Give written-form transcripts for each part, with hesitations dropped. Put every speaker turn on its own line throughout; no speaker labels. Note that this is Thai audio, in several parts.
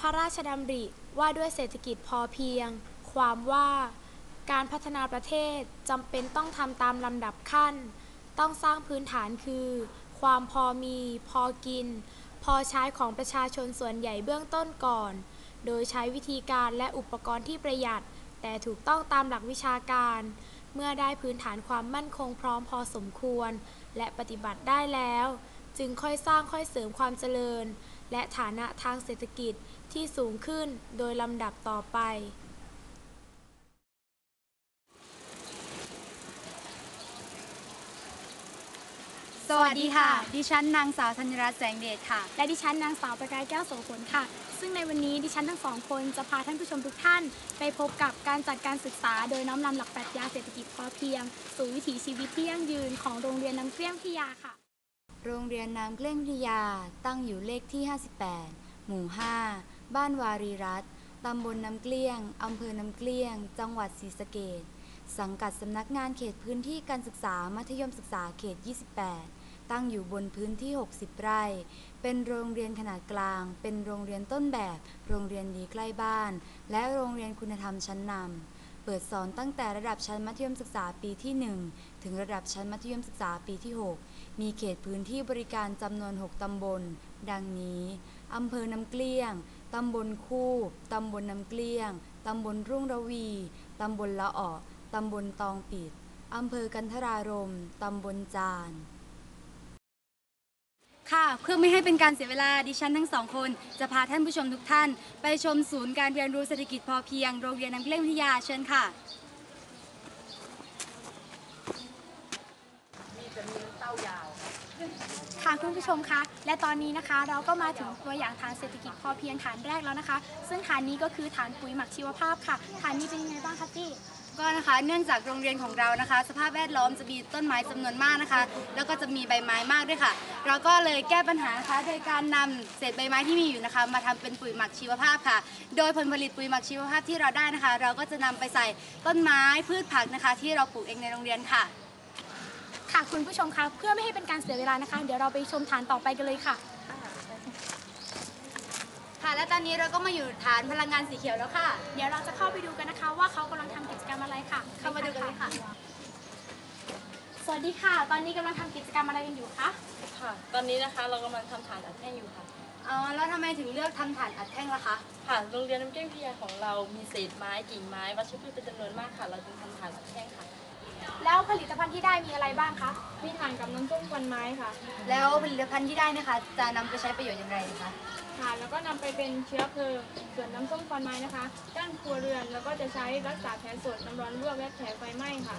ระราชดำริว่าด้วยเศรษฐกิจพอเพียงความว่าการพัฒนาประเทศจำเป็นต้องทำตามลำดับขั้นต้องสร้างพื้นฐานคือความพอมีพอกินพอใช้ของประชาชนส่วนใหญ่เบื้องต้นก่อนโดยใช้วิธีการและอุปกรณ์ที่ประหยัดแต่ถูกต้องตามหลักวิชาการเมื่อได้พื้นฐานความมั่นคงพร้อมพอสมควรและปฏิบัติได้แล้วจึงค่อยสร้างค่อยเสริมความเจริญและฐานะทางเศรษฐกิจที่สูงขึ้นโดยลำดับต่อไป
สวัสดีค่ะดิฉันนางสาวธัญรัตน์แสงเดชค่ะ
และดิฉันนางสาวประกายแก้วโสพลค่ะซึ่งในวันนี้ดิฉันทั้งสองคนจะพาท่านผู้ชมทุกท่านไปพบกับการจัดการศึกษาโดยน้อมนำหลักปรัชญาเศรษฐกิจพอเพียงสู่วิถีชีวิตที่ยั่งยืนของโรงเรียนน้ำเกลี้ยงพิทยาค่ะ
โรงเรียนน้ำเกลี้ยงพิทยาตั้งอยู่เลขที่58หมู่5บ้านวารีรัตน์ตำบลน้ำเกลี้ยงอำเภอน้ำเกลี้ยงจังหวัดศรีสะเกษสังกัดสำนักงานเขตพื้นที่การศึกษามัธยมศึกษาเขต28ตั้งอยู่บนพื้นที่60ไร่เป็นโรงเรียนขนาดกลางเป็นโรงเรียนต้นแบบโรงเรียนดีใกล้บ้านและโรงเรียนคุณธรรมชั้นนำเปิดสอนตั้งแต่ระดับชั้นมัธยมศึกษาปีที่1ถึงระดับชั้นมัธยมศึกษาปีที่6มีเขตพื้นที่บริการจำนวน6ตำบลดังนี้อำเภอน้ำเกลี้ยงตำบลคูบตำบลน้ำเกลี้ยงตำบลรุ่งระวีตำบลละออตำบลตองปิดอำเภอกันทรารมตำบลจานค่ะเพื่อไม่ให้เป็นการเสียเวลาดิฉันทั้งสองคนจะพาท่านผู้ชมทุกท่านไปชมศูนย์การเรียนรู้เศรษฐกิจพอเพียงโรงเรียนน้ำเกลี้ยงพิทยาเชิญค่ะ
ค่ะคุณผู้ชมคะและตอนนี้นะคะเราก็มาถึงตัวอย่างฐานเศรษฐกิจพอเพียงฐานแรกแล้วนะคะซึ่งฐานนี้ก็คือฐานปุ๋ยหมักชีวภาพค่ะฐานนี้เป็นยังไงบ้างคะพี่
ก็นะคะเนื่องจากโรงเรียนของเรานะคะสภาพแวดล้อมจะมีต้นไม้จำนวนมากนะคะแล้วก็จะมีใบไม้มากด้วยค่ะเราก็เลยแก้ปัญหานะคะโดยการนำเศษใบไม้ที่มีอยู่นะคะมาทำเป็นปุ๋ยหมักชีวภาพค่ะโดยผลผลิตปุ๋ยหมักชีวภาพที่เราได้นะคะเราก็จะนำไปใส่ต้นไม้พืชผักนะคะที่เราปลูกเองในโรงเรียนค่ะ
ค่ะคุณผู้ชมคะเพื่อไม่ให้เป็นการเสียเวลานะคะเดี๋ยวเราไปชมฐานต่อไปกันเลยค่ะ
ค่ะและตอนนี้เราก็มาอยู่ฐานพลังงานสีเขียวแล้วค่ะ
เดี๋ยวเราจะเข้าไปดูกันนะคะว่าเขากำลังทำกิจกรรมอะไรค่ะ
เข้ามาดูกันเลยค่ะ
สวัสดีค่ะตอนนี้กำลังทำกิจกรรมอะไรกันอยู่คะ
ค่ะตอนนี้นะคะเรากำลังทำฐานอัดแท่งอยู่ค่ะ
แล้วทำไมถึงเลือกทำฐานอัดแท่งล่ะคะ
ค่ะโรงเรียนน้ำเกลี้ยงพิทยาของเรามีเศษไม้กิ่งไม้วัชพืชเป็นจำนวนมากค่ะเราจึงทำฐานอัดแท่งค่ะ
แล้วผลิตภัณฑ์ที่ได้มีอะไรบ้างคะมีถ่านกับน้ำส้มควันไม้ค่ะ
แล้วผลิตภัณฑ์ที่ได้นะคะจะนำไปใช้ประโยชน์อย่างไรคะ
ค่ะแล้วก็นำไปเป็นเชื้อเพลิงส่วนน้ำส้มควันไม้นะคะด้านครัวเรือนแล้วก็จะใช้รักษาแผลสดน้ำร้อนลวกและแผลไฟไหม้ค่ะ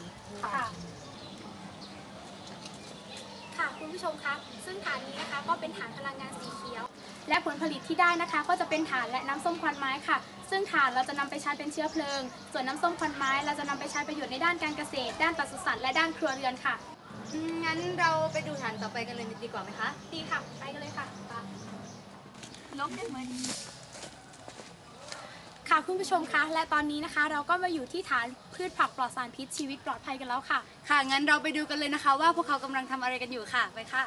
ค่ะคุณผู้ชมคะซึ่งฐานนี้นะคะก็เป็นฐานพลังงานสีเขียวและผลผลิตที่ได้นะคะก็จะเป็นถ่านและน้ำส้มควันไม้ค่ะซึ่งถ่านเราจะนำไปใช้เป็นเชื้อเพลิงส่วนน้ำส้มควันไม้เราจะนำไปใช้ประโยชน์ในด้านการเกษตรด้านปศุสัตว์และด้านครัวเรือนค่ะ
งั้นเราไปดูฐานต่อไปกันเลยดีกว่าไหมคะ
ดีค่ะไปกันเลยค่ะลบได้ไหมค่ะคุณผู้ชมคะและตอนนี้นะคะเราก็มาอยู่ที่ฐานพืชผักปลอดสารพิษชีวิตปลอดภัยกันแล้วค่ะ
ค่ะงั้นเราไปดูกันเลยนะคะว่าพวกเขากำลังทำอะไรกันอยู่ค่ะไปค่ะ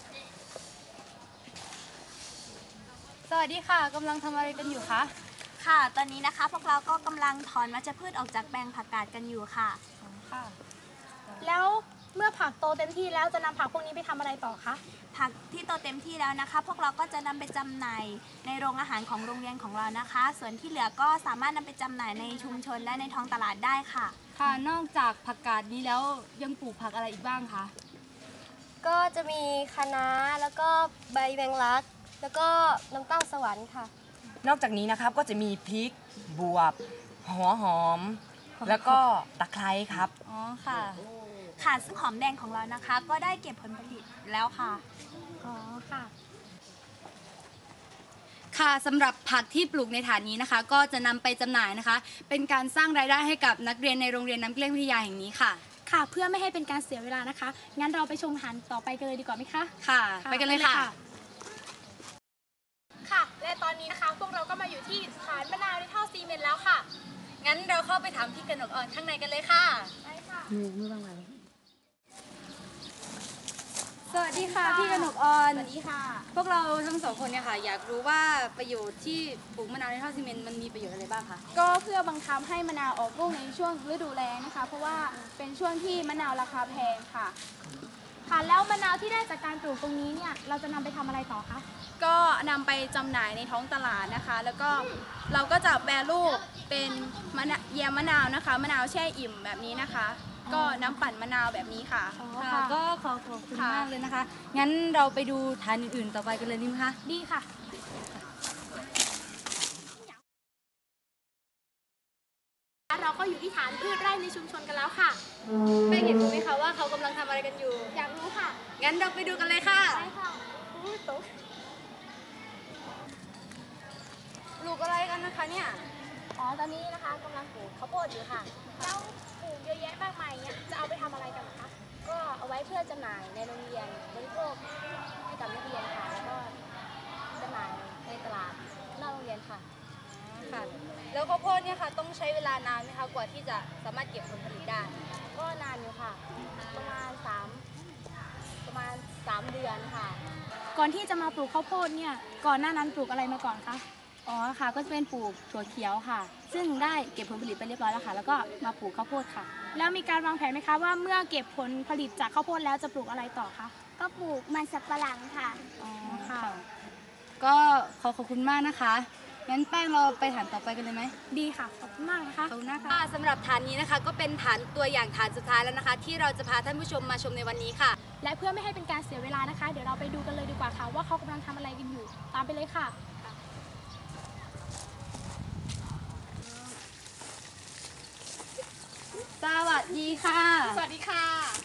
สวัสดีค่ะกำลังทำอะไรกันอยู่คะ
ค่ะตอนนี้นะคะพวกเราก็กำลังถอนวัชพืชออกจากแปลงผักกาดกันอยู่ค่ะ
ค่ะแล้วเมื่อผักโตเต็มที่แล้วจะนำผักพวกนี้ไปทำอะไรต่อคะ
ผักที่โตเต็มที่แล้วนะคะพวกเราก็จะนำไปจำหน่ายในโรงอาหารของโรงเรียนของเรานะคะส่วนที่เหลือก็สามารถนำไปจำหน่ายในชุมชนและในท้องตลาดได้ค่ะ
ค่ะนอกจากผักกาดนี้แล้วยังปลูกผักอะไรอีกบ้างคะ
ก็จะมีคะน้าแล้วก็ใบแมงลักแล้วก็น้ำเต้าสวรรค์ค่ะ
นอกจากนี้นะครับก็จะมีพริกบวบหัวหอมแล้วก็ตะไคร้ครับ
อ๋อค่ะค่ะซึ่งหอมแดงของเรานะคะก็ได้เก็บผลผลิตแล้วค่ะ
อ๋อค่ะ
ค่ะสำหรับผักที่ปลูกในฐานนี้นะคะก็จะนำไปจำหน่ายนะคะเป็นการสร้างรายได้ให้กับนักเรียนในโรงเรียนน้ำเกลี้ยงพิทยาแห่งนี้ค่ะ
ค่ะเพื่อไม่ให้เป็นการเสียเวลานะคะงั้นเราไปชมฐานต่อไปกันเลยดีกว่าไหมคะ
ค่ะไปกันเลยค่ะ
ค่ะและตอนนี้นะคะพวกเราก็มาอยู่ที่ฐานมะนาวในท่อซีเมนต์แล้วค่ะ
งั้นเราเข้าไปถามพี่กนกอ่อนข้างในกันเลยค่ะ
ไปค่ะ
สสวัสดีค่ะพี่กนกออน
สวัสดีค่ะ
พวกเราทั้งสองคนเนี่ยค่ะอยากรู้ว่าประโยชน์ที่ปลูกมะนาวในท่อซีเมนต์มันมีประโยชน์อะไรบ้างคะ
ก็เพื่อบังคับให้มะนาวออกลูกในช่วงฤดูแล้งนะคะ เพราะว่าเป็นช่วงที่มะนาวราคาแพงค่ะ
ค่ะ แล้วมะนาวที่ได้จากการปลูกตรงนี้เนี่ย เราจะนำไปทำอะไรต่อคะ
ก็นำไปจำหน่ายในท้องตลาดนะคะ แล้วก็เราก็จะแปรรูปเป็นแยมมะนาวนะคะ มะนาวแช่อิ่มแบบนี้นะคะ ก็น้ำปั่นมะนาวแบบนี้ค่ะ
ค่ะก็ขอบคุณมากเลยนะคะ งั้นเราไปดูฐานอื่นๆต่อไปกันเลยดีไหมคะ
ดีค่ะ เราก็อยู่ที่ฐานพืชไร่ในชุมชนกันแล้วค่ะ
แป้งเห็นรู้ไหมคะว่าเขากำลังทำอะไรกันอยู่
อยากรู้ค่ะ
งั้นเราไปดูกันเลยค่ะ
ไปค่ะอุ๊ยตก
ปลูกอะไรกันนะคะเนี่ย
อ๋อ ตอนนี้นะคะกำลังปลูกข้าวโพดอยู่ค่ะ แล้วปลูกเยอะแยะมากมายเนี่ยจะเอาไปทำอะไรกันเหรอคะ ก็เอาไว้เพื่อจำหน่ายในโรงเรียนบริโภคให้กับนักเรียนค่ะ แล้วก็จำหน่ายในตลาดนอกโรงเรียนค่ะ
ค่ะ แล้วข้าวโพดเนี่ยค่ะต้องใช้เวลานานไหมคะกว่าที่จะสามารถเก็บผลผลิตได้
ก็นานอยู่ค่ะ ประมาณ3เดือนค่ะ ก่อนที่จะมาปลูกข้าวโพดเนี่ย ก่อนหน้านั้นปลูกอะไรมาก่อนคะ
อ๋อค่ะก็จะเป็นปลูกถั่วเขียวค่ะ ซึ่งได้เก็บผลผลิตไปเรียบร้อยแล้วค่ะ แล้วก็มาปลูกข้าวโพดค่ะ
แล้วมีการวางแผนไหมคะว่าเมื่อเก็บผลผลิตจากข้าวโพดแล้วจะปลูกอะไรต่อคะ
ก็ปลูกมันสับปะหลังค่ะ
อ๋อค่ะ
ก็ขอบคุณมากนะคะ งั้นแป้งเราไปฐานต่อไปกันเลยไหม
ดีค่ะ ขอบคุณมากนะคะ
ขอบคุณนะคะสำหรับฐานนี้นะคะก็เป็นฐานตัวอย่างฐานสุดท้ายแล้วนะคะ ที่เราจะพาท่านผู้ชมมาชมในวันนี้ค่ะ
และเพื่อไม่ให้เป็นการเสียเวลานะคะ เดี๋ยวเราไปดูกันเลยดีกว่าค่ะ ว่าเขากำลังทำอะไรกันอยู่ ตามไปเลยค่ะ
สวัสดีค่ะ
สวัสดีค่ะ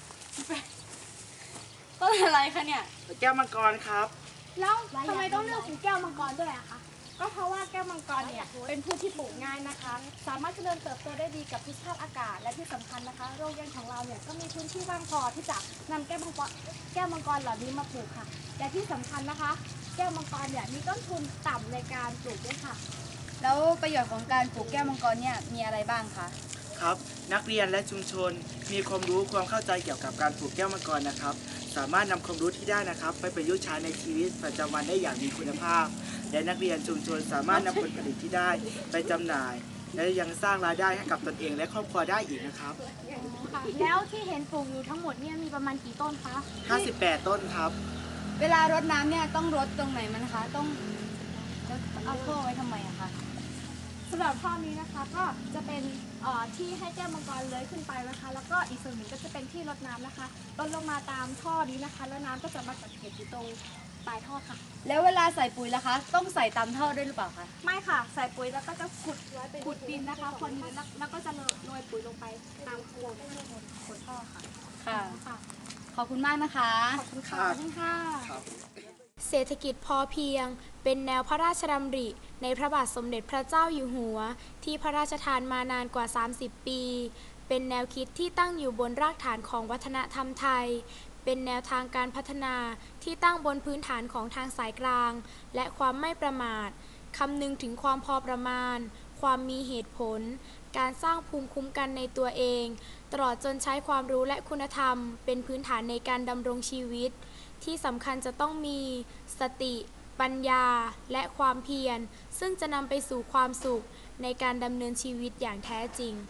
ต้นอะไรคะเนี่ย
แก้วมังกรครับ
แล้วทำไมต้องเลือกปลูกแก้วมังกรด้วยอะคะ ก็เพราะว่าแก้วมังกรเนี่ยเป็นพืชที่ปลูกง่ายนะคะ สามารถเจริญเติบโตได้ดีกับทุกสภาพอากาศ และที่สำคัญนะคะ โรงเรียนของเราเนี่ยก็มีพื้นที่ว่างพอที่จะนำแก้วมังกรเหล่านี้มาปลูกค่ะ และที่สำคัญนะคะ แก้วมังกรเนี่ยมีต้นทุนต่ำในการปลูกด้วยค่ะ
แล้วประโยชน์ของการปลูกแก้วมังกรเนี่ยมีอะไรบ้างคะ
ครับ นักเรียนและชุมชนมีความรู้ความเข้าใจเกี่ยวกับการปลูกแก้วมังกรนะครับ สามารถนำความรู้ที่ได้นะครับ ไปประยุกต์ใช้ในชีวิตประจำวันได้อย่างมีคุณภาพ และนักเรียนชุมชนสามารถนำผลผลิตที่ได้ไปจำหน่าย และยังสร้างรายได้ให้กับตนเองและครอบครัวได้อีกนะครับ
แล้วที่เห็นปลูกอยู่ทั้งหมดเนี่ยมีประมาณกี่ต้นคะ
58 ต้นครับ
เวลารดน้ำเนี่ยต้องรดตรงไหนมันคะต้องเอาท่อไว้ทำไมอะคะ
สำหรับท่อนี้นะคะก็จะเป็นที่ให้แก้วมังกรเลื้อยขึ้นไปนะคะ แล้วก็อีกส่วนหนึ่งก็จะเป็นที่รดน้ำนะคะลดลงมาตามท่อนี้นะคะ แล้วน้ำก็จะมากักเก็บอยู่ตรงปลายท่อค่ะ
แล้วเวลาใส่ปุ๋ยล่ะคะ ต้องใส่ตามท่อด้วยหรือเปล่าคะ
ไม่ค่ะ ใส่ปุ๋ยแล้วก็จะขุดดินนะคะคนดินแล้วก็จะโรยปุ๋ยลงไปตามโคนท่อค่ะ
ค่ะ
ค่ะ
ขอบคุณมากนะคะ
ขอบคุณค่ะ
ครับ
เศรษฐกิจพอเพียงเป็นแนวพระราชดำริในพระบาทสมเด็จพระเจ้าอยู่หัว ที่พระราชทานมานานกว่า 30 ปี เป็นแนวคิดที่ตั้งอยู่บนรากฐานของวัฒนธรรมไทย เป็นแนวทางการพัฒนาที่ตั้งบนพื้นฐานของทางสายกลาง และความไม่ประมาทคำนึงถึงความพอประมาณ ความมีเหตุผล การสร้างภูมิคุ้มกันในตัวเอง ตลอดจนใช้ความรู้และคุณธรรม เป็นพื้นฐานในการดำรงชีวิต ที่สำคัญจะต้องมีสติ ปัญญา และความเพียร ซึ่งจะนำไปสู่ความสุขในการดำเนินชีวิตอย่างแท้จริง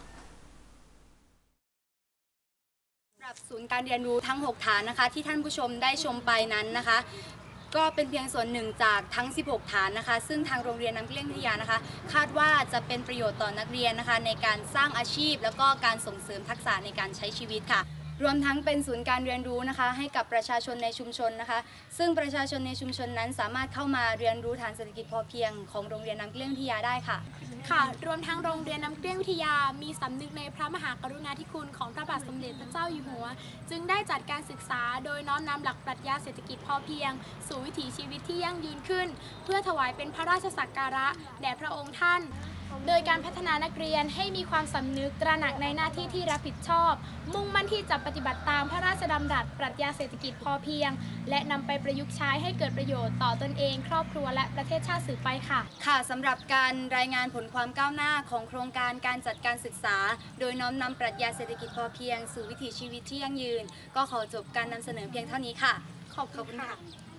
สำหรับศูนย์การเรียนรู้ทั้ง 6 ฐานนะคะ ที่ท่านผู้ชมได้ชมไปนั้นนะคะ ก็เป็นเพียงส่วนหนึ่งจากทั้ง 16 ฐานนะคะ ซึ่งทางโรงเรียนน้ำเกลี้ยงวิทยานะคะ คาดว่าจะเป็นประโยชน์ต่อนักเรียนนะคะ ในการสร้างอาชีพ แล้วก็การส่งเสริมทักษะในการใช้ชีวิตค่ะ รวมทั้งเป็นศูนย์การเรียนรู้นะคะ ให้กับประชาชนในชุมชนนะคะ ซึ่งประชาชนในชุมชนนั้นสามารถเข้ามาเรียนรู้ฐานเศรษฐกิจพอเพียงของโรงเรียนน้ำเกลี้ยงวิทยาได้ค่ะ
ค่ะ รวมทั้งโรงเรียนน้ำเกลี้ยงวิทยา มีสำนึกในพระมหากรุณาธิคุณของพระบาทสมเด็จพระเจ้าอยู่หัว จึงได้จัดการศึกษาโดยน้อมนำหลักปรัชญาเศรษฐกิจพอเพียง สู่วิถีชีวิตที่ยั่งยืนขึ้น เพื่อถวายเป็นพระราชสักการะแด่พระองค์ท่าน โดยการพัฒนานักเรียนให้มีความสำนึกตระหนักในหน้าที่ที่รับผิดชอบ มุ่งมั่นที่จะปฏิบัติตามพระราชดำรัสปรัชญาเศรษฐกิจพอเพียง และนำไปประยุกต์ใช้ให้เกิดประโยชน์ต่อตนเอง ครอบครัวและประเทศชาติสืบไปค่ะ
ค่ะสำหรับการรายงานผลความก้าวหน้าของโครงการการจัดการศึกษา โดยน้อมนำปรัชญาเศรษฐกิจพอเพียงสู่วิถีชีวิตที่ยั่งยืน ก็ขอจบการนำเสนอเพียงเท่านี้ค่ะ
ขอบคุณค่ะ